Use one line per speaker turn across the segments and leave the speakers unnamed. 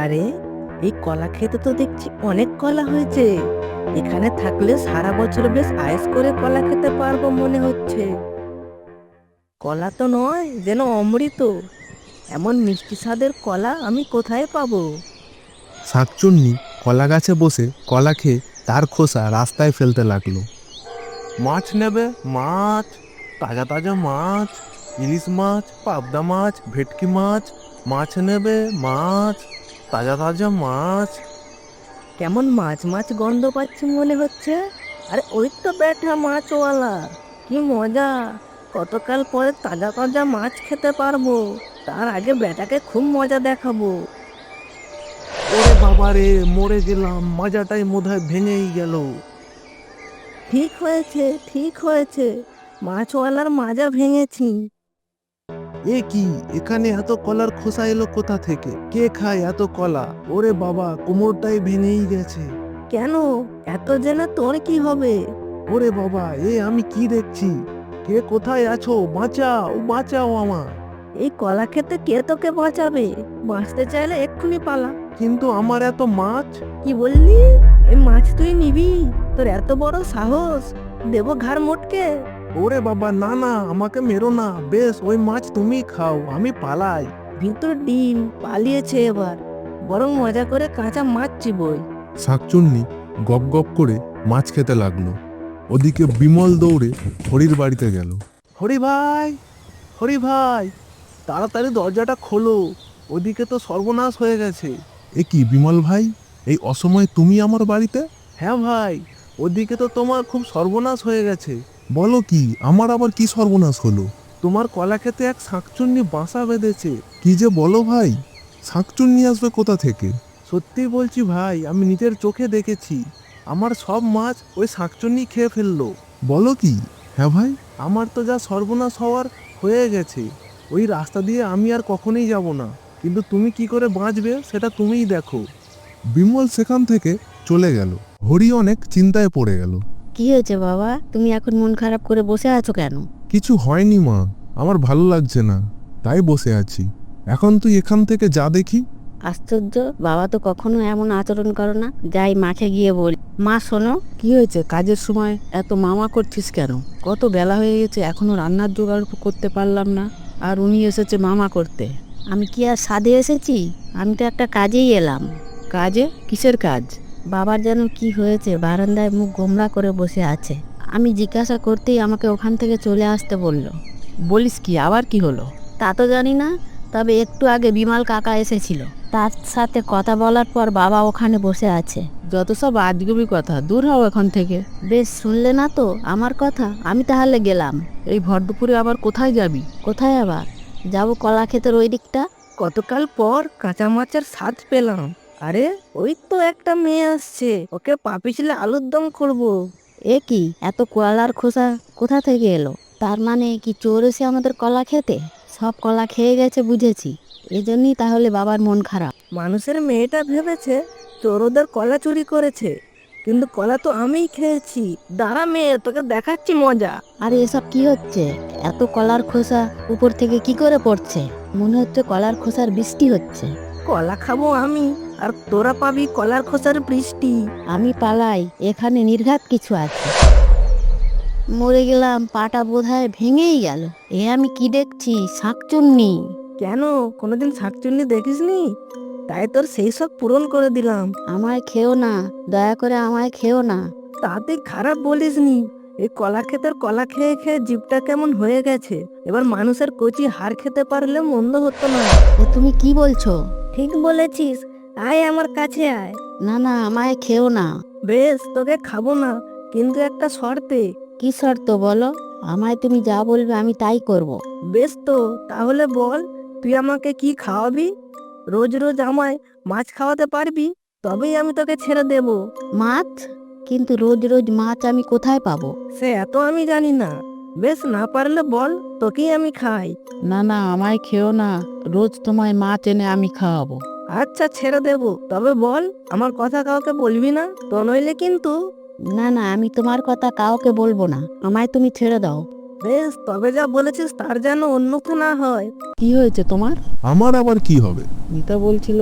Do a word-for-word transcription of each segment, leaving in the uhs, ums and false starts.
আরে, এই কলা খেতে তো দেখছি অনেক কলা হয়েছে। এখানে থাকলে সারা বছর বেশ আয়েশ করে কলা খেতে পারবো মনে হচ্ছে। কলা তো নয়, যেন অমৃত। এমন মিষ্টি স্বাদের কলা আমি কোথায় পাবো?
শাকচুন্নি কলা গাছে বসে কলা খেয়ে তার খোসা রাস্তায় ফেলতে লাগলো।
মাছ নেবে? মাছ, তাজা তাজা মাছ, ইলিশ মাছ, পাবদা মাছ, ভেটকি মাছ। মাছ নেবে? মাছ, তাজা তাজা মাছ।
কেমন মাছ মাছ গন্ধ পাচ্ছি মনে হচ্ছে। আরে ওই তো ব্যাটা মাছওয়ালা, কি মজা! কতকাল পরে তাজা তাজা মাছ খেতে পারবো। তার আগে ব্যাটাকে খুব মজা দেখাবো।
ওরে বাবা রে, মরে গেলাম, মজাটাই বোধহয় ভেঙেই গেল।
ঠিক হয়েছে, ঠিক হয়েছে, মাছওয়ালার মাজা ভেঙেছি।
এ কি, এখানে এত কলার খোসা এলো কোথা থেকে? কে খায় এত কলা? ওরে বাবা, কোমরটাই ভেঙেই গেছে।
কেন? এত জেনে তোর কি হবে?
ওরে বাবা, এ আমি কি দেখছি? কে কোথায় আছো? বাঁচাও, বাঁচাও আমার।
এই কলা খেতে কে তোকে বাঁচাবে? বাঁচতে চাইলে এক্ষুনি পালা।
কিন্তু আমার এত মাছ।
কি বললি? এই মাছ তুই নিবি? তোর এত বড় সাহস! দেবো ঘাড় মোটকে।
ওরে বাবা, না না, আমাকে মেরো না। বেশ, ওই মাছ তুমি খাও, আমি পালাই।
ভিতর ডিম পালিয়েছে এবার, বরং মজা করে কাঁচা মাছ চিবোই।
শাকচুন্নি গপ গপ করে মাছ খেতে লাগলো। ওদিকে বিমল দৌড়ে হরির বাড়িতে গেল।
হরি ভাই, হরি ভাই, তাড়াতাড়ি দরজাটা খোলো, ওদিকে তো সর্বনাশ হয়ে গেছে।
এ কি বিমল ভাই, এই অসময়ে তুমি আমার বাড়িতে?
হ্যাঁ ভাই, ওদিকে তো তোমার খুব সর্বনাশ হয়ে গেছে।
বলো কি, আমার আবার কি সর্বনাশ হলো?
তোমার কলা খেতে এক শাঁকচুন্নি বাসা বেঁধেছে।
কি যে বলো ভাই, শাকচুন্নি আসবে কোথা থেকে?
সত্যি বলছি ভাই, আমি নিজের চোখে দেখেছি। আমার সব মাছ ওই শাঁকচুন্নি খেয়ে ফেললো।
বলো কি? হ্যাঁ ভাই।
আমার তো যা সর্বনাশ হওয়ার হয়ে গেছে। ওই রাস্তা দিয়ে আমি আর কখনোই যাব না, কিন্তু তুমি কি করে বাঁচবে সেটা তুমিই দেখো।
বিমল সেখান থেকে চলে গেল। হরি অনেক চিন্তায় পড়ে গেল।
কি হয়েছে বাবা, তুমি এখন মন খারাপ করে বসে আছো কেন?
কিছু হয়নি মা, আমার ভালো লাগছে না, তাই বসে আছি। এখন তুই এখান থেকে যা দেখি।
আশ্চর্য, বাবা তো কখনো এমন আচরণ করো না। যাই মাকে গিয়ে বলি। মা শোনো।
কি হয়েছে? কাজের সময় এত মামা করছিস কেন? কত বেলা হয়ে গেছে, এখনো রান্নার জোগাড় করতে পারলাম না, আর উনি এসেছে মামা করতে।
আমি কি আর সাধে এসেছি? আমি তো একটা কাজেই এলাম।
কাজে? কিসের কাজ?
বাবার যেন কি হয়েছে, বারান্দায় মুখ গোমড়া করে বসে আছে। আমি জিজ্ঞাসা করতেই আমাকে ওখান থেকে চলে আসতে বলল।
বলিস কি, আবার কি হলো?
তা তো জানি না, তবে একটু আগে বিমল কাকা এসেছিল। তার সাথে কথা বলার পর বাবা ওখানে বসে আছে।
যত সব আজগুবি কথা, দূর হও এখান থেকে।
বেশ, শুনলে না তো আমার কথা? আমি তাহলে গেলাম।
এই ভর দুপুরে আবার কোথায় যাবি?
কোথায় আবার যাব? কলা ক্ষেতের ওই দিকটা।
কতকাল পর কাঁচা মাছের স্বাদ পেলাম। আরে, ওই তো একটা মেয়ে আসছে, ওকে পাপিছিলে আলুর দম করবো।
এ কি, এত কলার খোসা কোথা থেকে এলো? তার মানে কি চোর এসে আমাদের কলা খেতে সব কলা খেয়ে গেছে, বুঝেছি। এজন্যই তাহলে বাবার মন খারাপ।
মানুষের মেয়েটা ভেবেছে চোর ওদের কলা চুরি করেছে, কিন্তু কলা তো আমিই খেয়েছি। দাঁড়া মেয়ে, তোকে দেখাচ্ছি মজা।
আরে এসব কি হচ্ছে? এত কলার খোসা উপর থেকে কি করে পড়ছে? মনে হচ্ছে কলার খোসার বৃষ্টি হচ্ছে।
কলা খাবো আমি, আর তোরা পাবি কলার খোসার বৃষ্টি।
আমি পালাই, এখানে নির্ঘাত কিছু আছে। মরে গেলাম, পাটা বোধহয় ভেঙেই গেল। এ আমি কি দেখছি? শাকচুন্নি।
কেন, কোনোদিন শাকচুন্নি দেখিসনি? তাই তোর সেই সব পূরণ করে দিলাম।
আমায় খেও না, দয়া করে আমায় খেও না।
তাতে খারাপ বলিসনি। এই কলা ক্ষেতের কলা খেয়ে খেয়ে জিভটা কেমন হয়ে গেছে। এবার মানুষের কচি হাড় খেতে পারলে মন্দ হতো না।
এ তুমি কি বলছো?
ঠিক বলেছিস, আয় আমার কাছে আয়।
না না, আমায় খেও না।
বেশ, তোকে খাবো না, কিন্তু একটা শর্তে।
কি শর্ত বলো? আমায় তুমি যা বলবে আমি তাই করব।
বেশ তো, তাহলে বল, তুই আমাকে কি খাওয়াবি? রোজ রোজ আমায় মাছ খাওয়াতে পারবি, তবেই আমি তোকে ছেড়ে দেব।
মাছ? কিন্তু রোজ রোজ মাছ আমি কোথায় পাবো?
সে এত আমি জানি না। বেশ, না পারলে বল, তোকেই আমি খাই।
না না, আমায় খেও না, রোজ তোমায় মাছ এনে আমি খাওয়াবো।
আচ্ছা, ছেড়ে দেব, তবে বল, আমার কথা কাউকে বলবি না তো, নইলে কিন্তু।
না না, আমি তোমার কথা কাউকে বলবো না, আমায় তুমি ছেড়ে দাও।
বেশ, তবে যা বলেছিস তার যেন অন্যথা না হয়।
কি হয়েছে তোমার?
আমার আবার কি হবে?
মিতা বলছিল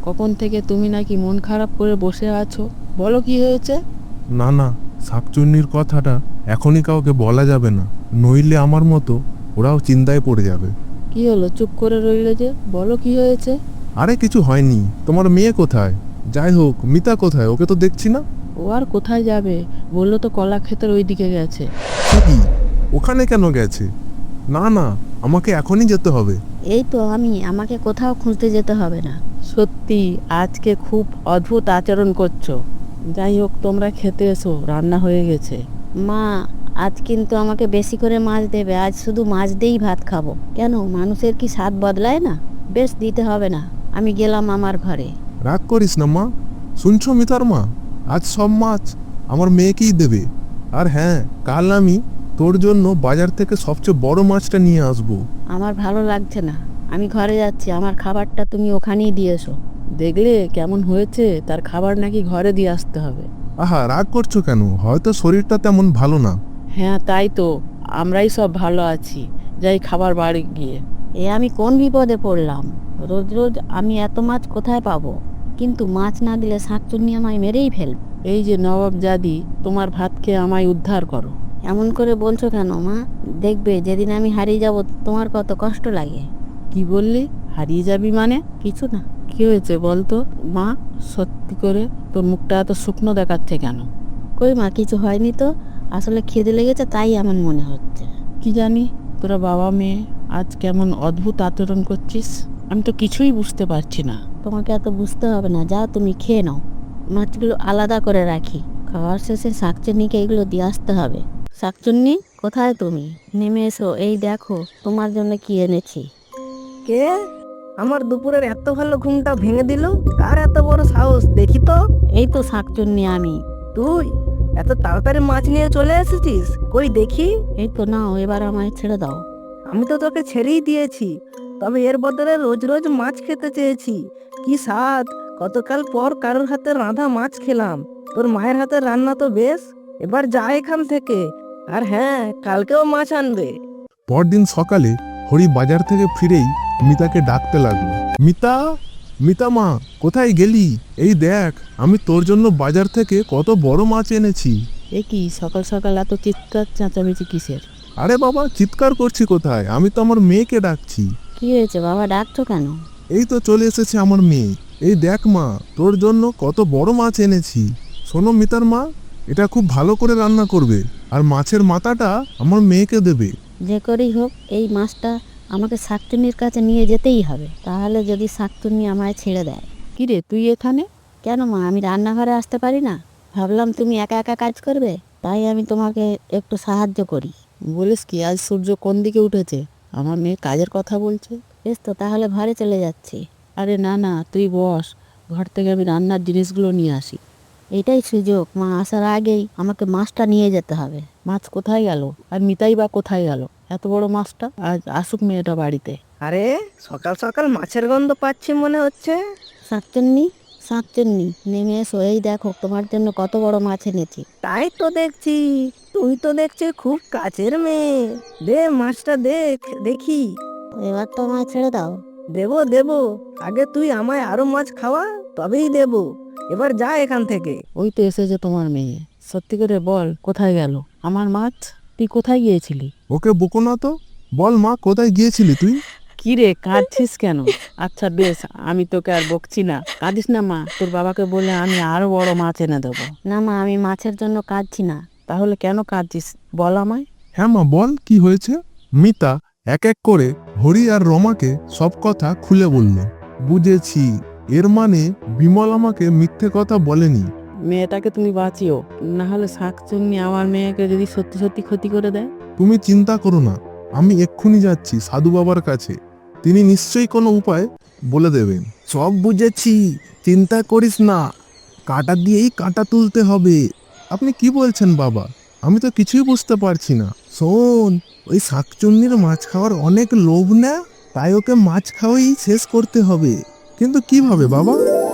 কখন থেকে তুমি নাকি মন খারাপ করে বসে আছো, বলো কি হয়েছে?
না না, শাকচুন্নির কথাটা এখনই কাউকে বলা যাবে না, নইলে আমার মতো ওরাও চিন্তায় পড়ে যাবে।
কি হলো, চুপ করে রইলে যে? বলো কি হয়েছে?
আরে কিছু হয়নি। তোমার মেয়ে কোথায়? যাই হোক, মিতা কোথায়? ওকে তো দেখছি না।
ও আর কোথায় যাবে, বললো তো কলা ক্ষেতের ওই দিকে গেছে।
সে কি? ওখানে কেন গেছে? না না, আমাকে এখনই যেতে হবে।
এই তো আমি, আমাকে কোথাও খুঁজতে যেতে হবে না।
সত্যি আজকে খুব অদ্ভুত আচরণ করছো। যাই হোক, তোমরা খেতে এসো, রান্না হয়ে গেছে।
মা, আজ কিন্তু আমাকে বেশি করে মাছ দেবে। আজ শুধু মাছ দিয়েই ভাত খাবো। কেন, মানুষের কি স্বাদ বদলায় না? বেশ, দিতে হবে না, আমি গেলাম আমার ঘরে।
রাগ করিস না মা। শুনছো মিতার মা, আজ সব মাছ আমার মেয়েকেই দেবে। আর হ্যাঁ, কাল আমি তোর জন্য বাজার থেকে সবচেয়ে বড় মাছটা নিয়ে আসবো।
আমার ভালো লাগছে না, আমি ঘরে যাচ্ছি। আমার খাবারটা তুমি ওখানেই দিয়ে এসো।
দেখলে কেমন হয়েছে, তার খাবার নাকি ঘরে দিয়ে আসতে হবে।
আহা, রাগ করছো কেন? হয়তো শরীরটা তেমন ভালো না।
হ্যাঁ তাই তো, আমরাই সব ভালো আছি, যাই খাবার বাড়ি গিয়ে।
এ আমি কোন বিপদে পড়লাম? রোজ রোজ আমি এত মাছ কোথায় পাবো? কিন্তু মাছ না দিলে শাকচুন্নি আমায় মেরেই ফেলবে।
এই যে নবাব জাদি, তোমার ভাত খেয়ে আমায় উদ্ধার করো।
এমন করে বলছো কেন মা? দেখবে যেদিন আমি হারিয়ে যাব তোমার কত কষ্ট লাগে।
কি বললি, হারিয়ে যাবি মানে?
কিছু না।
কি হয়েছে বলতো? মা, সত্যি করে তোর মুখটা এত শুকনো দেখাচ্ছে কেন?
কই মা, কিছু হয়নি তো। আসলে খিদে লেগেছে, তাই এমন মনে হচ্ছে।
কি জানি, তোরা বাবা মেয়ে আজ কেমন অদ্ভুত আচরণ করছিস, আমি তো কিছুই বুঝতে পারছি না।
তোমাকে এত বুঝতে হবে না, যাও তুমি খেয়ে নাও। মাছগুলো আলাদা করে রাখি, খাওয়ার শেষে শাকচুন্নিকে এগুলো দিয়ে আসতে হবে। শাকচুন্নি, কোথায় তুমি? নেমে এসো, এই দেখো তোমার জন্য কি এনেছি।
কে? আমার দুপুরের এত ভালো ঘুমটা ভেঙে দিল? কার এত বড় সাহস দেখি তো।
এই তো শাকচুন্নি, আমি।
তুই এত তাড়াতাড়ি মাছ নিয়ে চলে এসেছিস? কই দেখি।
এই তো নাও, এবার আমায় ছেড়ে দাও।
আমি তো তোকে ছেড়েই দিয়েছি, তবে এর বদলে রোজ রোজ মাছ খেতে চেয়েছি। কি স্বাদ! গতকাল পর কারোর হাতে রাঁধা মাছ খেলাম। তোর মায়ের হাতের রান্না তো বেশ। এবার যা এখান থেকে। আর হ্যাঁ, কালকেও মাছ আনবে।
পরদিন সকালে হরি বাজার থেকে ফিরেই মিতাকে ডাকতে লাগলো। মিতা, মিতা মা, কোথায় গেলি? এই দেখ, আমি তোর জন্য বাজার থেকে কত বড় মাছ এনেছি।
এ কি, সকাল সকাল এত চিৎকার চেঁচামেচি কিসের?
আরে বাবা, চিৎকার করছি কোথায়? আমি তো আমার মেয়েকে ডাকছি।
কি হয়েছে বাবা, ডাকছো কেন?
এই তো চলে এসেছে আমার মেয়ে। এই দেখ মা, তোর জন্য কত বড় মাছ এনেছি। শোনো মিতার মা, এটা খুব ভালো করে রান্না করবে, আর মাছের মাথাটা আমার মেয়েকে দেবে।
যে করেই হোক এই মাছটা আমাকে শাকচুন্নির কাছে নিয়ে যেতেই হবে। তাহলে যদি শাকচুন্নি আমায় ছেড়ে দেয়।
কি রে, তুই এখানে?
কেন মা, আমি রান্নাঘরে আসতে পারি না? ভাবলাম তুমি একা একা কাজ করবে, তাই আমি তোমাকে একটু সাহায্য করি।
বলিস কি, আজ সূর্য কোন দিকে উঠেছে? আমার মেয়ে কাজের কথা বলছে।
বেশ তো, তাহলে ঘরে চলে যাচ্ছি।
আরে না না, তুই বস, ঘর থেকে আমি রান্নার জিনিসগুলো নিয়ে আসি।
এটাই সুযোগ, মা আসার আগেই আমাকে মাছটা নিয়ে যেতে হবে।
মাছ কোথায় গেল, আর মিতাই বা কোথায় গেল? এত বড় মাছটা আজ আসুক মেয়েটা বাড়িতে।
আরে সকাল সকাল মাছের গন্ধ পাচ্ছি মনে হচ্ছে।
শাকচুন্নি, শাকচুন্নি, নেমে এসো, এই দেখো তোমার জন্য কত বড় মাছ এনেছি।
তাই তো দেখছি, তুই তো দেখছি খুব কাছের মেয়ে। দে মাছটা, দেখ দেখি।
এবার তো আমায় ছেড়ে দাও।
দেবো দেবো, আগে তুই আমায় আরো মাছ খাওয়া, তবেই দেবো। এবার যা এখান থেকে।
ওই তো এসেছে তোমার মেয়ে। সত্যি করে বল, কোথায় গেল আমার মাছ? তুই কোথায় গিয়েছিলি?
ওকে বকো না তো। বল মা, কোথায় গিয়েছিলি তুই?
কি রে, কাঁদছিস কেন? আচ্ছা বেশ, আমি তোকে আর বকছি না, কাঁদিস না মা। তোর বাবাকে বলে আমি আরো বড় মাছ এনে দেবো।
না মা, আমি মাছের জন্য কাঁদছি না।
তাহলে কেন কাঁদছিস বল আমায়।
হ্যাঁ মা, বল কি হয়েছে। মিতা এক এক করে হরি আর রমাকে সব কথা খুলে বলল। বুঝেছি, এর মানে বিমল আমাকে মিথ্যে কথা বলেনি।
মেয়েটাকে তুমি বাঁচিও, না হলে শাকচুন্নি আমার মেয়েকে যদি সত্যি সত্যি ক্ষতি করে দেয়।
তুমি চিন্তা করো না, আমি এক্ষুনি যাচ্ছি সাধু বাবার কাছে। তিনি নিশ্চয়ই কোনো উপায় বলে দেবেন। সব বুঝেছি, চিন্তা করিস না, কাঁটা দিয়েই কাঁটা তুলতে হবে। আপনি কি বলছেন বাবা? আমি তো কিছুই বুঝতে পারছি না। শোন, ওই শাকচুন্নির মাছ খাওয়ার অনেক লোভ না, তাই ওকে মাছ খাওয়াই শেষ করতে হবে। কিন্তু কিভাবে বাবা?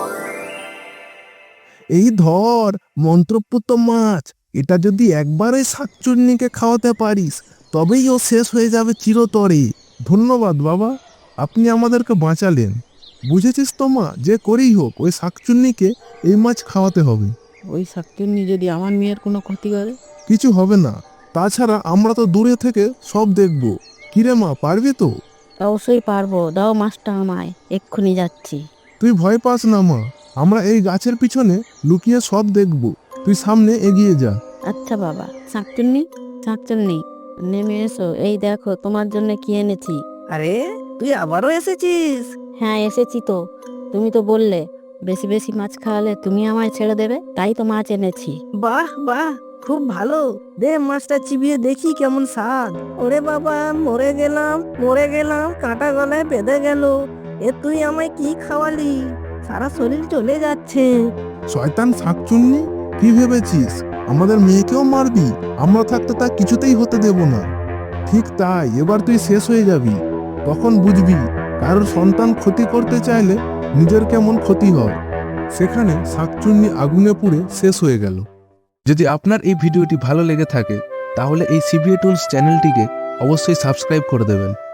এই ধর মন্ত্রপুত মাছ, এটা যদি একবার ওই শাকচুন্নিকে খাওয়াতে পারিস, তবেই ও শেষ হয়ে যাবে চিরতরে। ধন্যবাদ বাবা, আপনি আমাদেরকে বাঁচালেন। বুঝেছিস তো মা, যে করেই হোক ওই শাকচুন্নিকে এই মাছ খাওয়াতে হবে।
ওই শাকচুন্নি যদি আমার মেয়ের কোনো ক্ষতি করে?
কিছু হবে না, তাছাড়া আমরা তো দূরে থেকে সব দেখব। কিরে মা, পারবি তো?
অবশ্যই পারবো, দাও মাছটা আমায়, এক্ষুনি যাচ্ছি।
তুই ভয় পাস না মা, আমরা এই গাছের পিছনে লুকিয়ে সব দেখব। তুই সামনে এগিয়ে যা।
আচ্ছা বাবা। শাকচুন্নি, শাকচুন্নি, নেমে এসো, এই দেখো তোমার জন্য কি এনেছি।
আরে তুই আবারও এসেছিস?
হ্যাঁ এসেছি তো, তুমি তো বললে বেশি বেশি মাছ খাওয়ালে তুমি আমায় ছেড়ে দেবে, তাই তো মাছ এনেছি।
বাহ বাহ, খুব ভালো। দে মাছটা চিবিয়ে দেখি কেমন স্বাদ। ওরে বাবা, মরে গেলাম মরে গেলাম, কাঁটা গলায় বেঁধে গেল। এ তুই আমায় কি খাওয়ালি? সারা শরীর চলে যাচ্ছে।
শয়তান শাকচুন্নি, কি ভেবেছিস আমাদের মেয়েকেও মারবি? আমরা থাকতে তা কিছুতেই হতে দেব না। ঠিক তাই, এবার তুই শেষ হয়ে যাবি। তখন বুঝবি কারোর সন্তান ক্ষতি করতে চাইলে নিজের কেমন ক্ষতি হয়। সেখানে শাকচুন্নি আগুনে পুড়ে শেষ হয়ে গেল।
যদি আপনার এই ভিডিওটি ভালো লেগে থাকে তাহলে এই সিবিএ টুলস চ্যানেলটিকে অবশ্যই সাবস্ক্রাইব করে দেবেন।